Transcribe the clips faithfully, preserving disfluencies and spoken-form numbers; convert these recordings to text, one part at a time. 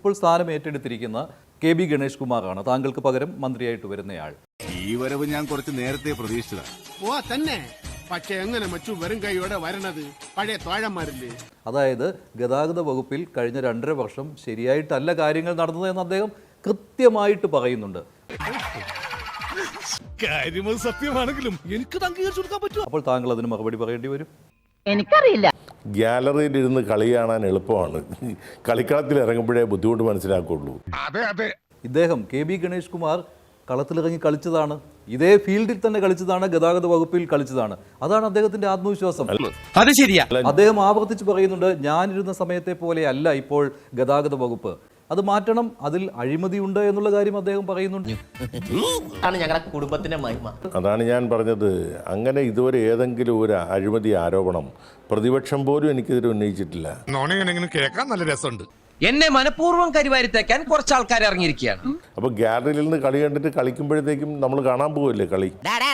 ഇപ്പോൾ സ്ഥാനം ഏറ്റെടുത്തിരിക്കുന്ന K B Ganesh കുമാറാണ് താങ്കൾക്ക് പകരം മന്ത്രിയായിട്ട് വരുന്നയാൾ. ഈ വരവ് ഞാൻ കുറച്ച് നേരത്തെ പ്രതീക്ഷിച്ചതാണ്. ഓ തന്നെ, പക്ഷെ എങ്ങനെ മച്ചു വെറും കൈയോടെ വരണത്? പഴയ തോഴന്മാരില്ലേ? അതായത് ഗതാഗത വകുപ്പിൽ കഴിഞ്ഞ രണ്ടര വർഷം ശരിയായിട്ടല്ല കാര്യങ്ങൾ നടന്നത് എന്ന് അദ്ദേഹം കൃത്യമായിട്ട് പറയുന്നുണ്ട്. സത്യമാണെങ്കിലും എനിക്ക് അംഗീകരിച്ചു കൊടുക്കാൻ പറ്റും. അപ്പോൾ താങ്കൾ അതിന് മറുപടി പറയേണ്ടി വരും. എനിക്കറിയില്ല. ഗ്യാലറിയിൽ ഇരുന്ന് കളി കാണാൻ എളുപ്പമാണ്, കളിക്കളത്തിൽ ഇറങ്ങുമ്പോഴേ ബുദ്ധിമുട്ട് മനസ്സിലാക്കുള്ളൂ. അതെ അതെ ഇദ്ദേഹം കെ ബി ഗണേഷ് കുമാർ കളത്തിലിറങ്ങി കളിച്ചതാണ്, ഇതേ ഫീൽഡിൽ തന്നെ കളിച്ചതാണ്, ഗതാഗത വകുപ്പിൽ കളിച്ചതാണ്. അതാണ് അദ്ദേഹത്തിന്റെ ആത്മവിശ്വാസം. അത് ശരിയാ. അദ്ദേഹം ആവർത്തിച്ച് പറയുന്നുണ്ട്, ഞാനിരുന്ന സമയത്തെ പോലെ അല്ല ഇപ്പോൾ ഗതാഗത വകുപ്പ്, അത് മാറ്റണം, അതിൽ അഴിമതിയുണ്ട് എന്നുള്ള കാര്യം അദ്ദേഹം പറയുന്നുണ്ട്. ഞങ്ങളുടെ കുടുംബത്തിന്റെ മഹിമ. അതാണ് ഞാൻ പറഞ്ഞത്. അങ്ങനെ ഇതുവരെ ഏതെങ്കിലും ഒരു അഴിമതി ആരോപണം പ്രതിപക്ഷം പോലും എനിക്കെതിരെ ഉന്നയിച്ചിട്ടില്ല. കേൾക്കാൻ നല്ല രസമുണ്ട്. എന്നെ മനഃപൂർവ്വം കരിവാരിത്തേക്കാൻ കുറച്ച് ആൾക്കാർ ഇറങ്ങിയിരിക്കുകയാണ്. അപ്പൊ ഗ്യാലറിയിൽ നിന്ന് കളി കണ്ടിട്ട് കളിക്കുമ്പോഴത്തേക്കും നമ്മൾ കാണാൻ പോവില്ലേ കളി?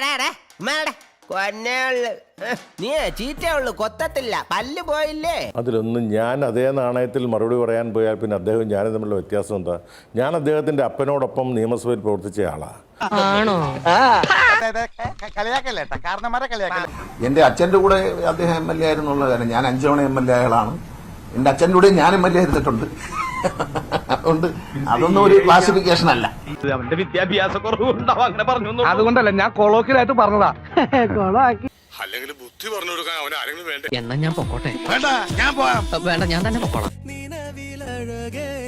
നീ ചീറ്റയുള്ളൂ, കൊത്തത്തില്ല, പല്ല് പോയില്ലേ? അതിലൊന്നും ഞാൻ അതേ നാണയത്തിൽ മറുപടി പറയാൻ പോയാൽ പിന്നെ അദ്ദേഹം ഞാനും തമ്മിലുള്ള വ്യത്യാസം എന്താ? ഞാൻ അദ്ദേഹത്തിന്റെ അപ്പനോടൊപ്പം നിയമസഭയിൽ പ്രവർത്തിച്ച ആളാ. എന്റെ അച്ഛന്റെ കൂടെ അദ്ദേഹം എം എൽ എ ആയിരുന്നുള്ള കാര്യം, ഞാൻ അഞ്ചു തവണ എം എൽ എ ആളാണ്. എന്റെ അച്ഛൻ്റെ കൂടെ ഞാൻ എം എൽ എ ആയിരുന്നിട്ടുണ്ട്. അതുകൊണ്ട് അതൊന്നും ഒരു ക്ലാസിഫിക്കേഷൻ അല്ല. അവന്റെ വിദ്യാഭ്യാസ കുറവുണ്ടാവും അങ്ങനെ പറഞ്ഞു. അതുകൊണ്ടല്ല, ഞാൻ കൊളോക്കിലായിട്ട് പറഞ്ഞതാ. അല്ലെങ്കിൽ ബുദ്ധി പറഞ്ഞു കൊടുക്കാൻ അവൻ ആരെങ്കിലും വേണ്ട. എന്നാ ഞാൻ പൊക്കോട്ടെ. വേണ്ട, ഞാൻ പോവാം. വേണ്ട, ഞാൻ തന്നെ പൊക്കോളാം.